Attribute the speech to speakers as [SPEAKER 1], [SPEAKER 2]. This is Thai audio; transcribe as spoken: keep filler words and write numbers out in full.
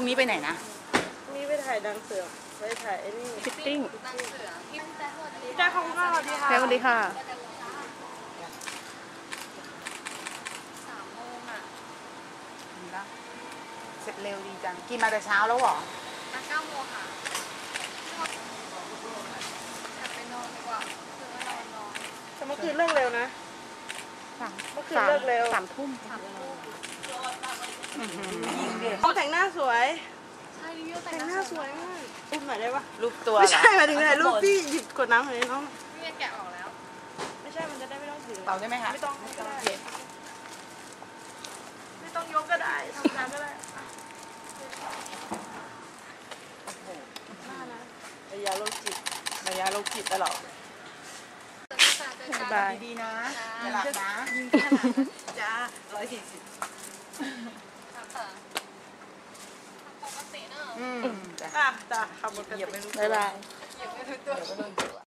[SPEAKER 1] นี้ไปไหนนะ
[SPEAKER 2] นี่ไปถ่ายดังเสือไปถ่ายไอ้นี่
[SPEAKER 1] ฟิตติ้ง
[SPEAKER 2] จ้าของข้าวดีค่ะ
[SPEAKER 1] สวัสดีค่ะ
[SPEAKER 3] สามโมงอ่ะ
[SPEAKER 1] เสร็จเร็วดีจังกินมาแต่เช้าแล้วเหรอ
[SPEAKER 3] มาเก้าโมงค่ะกลับไปนอนดีกว่าคือว่านอนนอน
[SPEAKER 2] แต่เมื่อคืนเลิกเร็วนะเมื่อคืนเลิกเร็ว
[SPEAKER 1] สามทุ่ม
[SPEAKER 3] สามทุ่ม
[SPEAKER 2] เขาแต่งหน้าสวย
[SPEAKER 3] ใช่ดิวแต่
[SPEAKER 2] แต่
[SPEAKER 3] ง
[SPEAKER 2] ง
[SPEAKER 3] ห
[SPEAKER 2] ห
[SPEAKER 3] น้า
[SPEAKER 2] น้า
[SPEAKER 3] ส
[SPEAKER 2] ส
[SPEAKER 3] ว
[SPEAKER 2] วย ยมากรูปหน่อยได้ปะ
[SPEAKER 1] รูปตัว
[SPEAKER 2] ไม่ใช่หมายถึงไหนรูปพี่หยิบกดน้ำหน่อยน้อง
[SPEAKER 3] พี่แกะออกแล้ว
[SPEAKER 2] ไม่ใช่มันจะได้ไม่ต้องถือ
[SPEAKER 1] เป่าได้ไหมคะ
[SPEAKER 2] ไม่ต้องก็ได้ไม่ต้องยกก็ได้ทำงานก็ได้หน้านะระยะโรคจิตระยะโรคจิตตลอด
[SPEAKER 1] บายดีๆนะอย่าหลับนะจ้าร้อยสี่สิบ
[SPEAKER 3] ปกติเนอะ
[SPEAKER 1] อืม
[SPEAKER 2] อ่ะจ้าขับรถกัน
[SPEAKER 1] เหยียบไม่รู้
[SPEAKER 2] บ๊ายบาย
[SPEAKER 3] อย่าไปรู้ตัว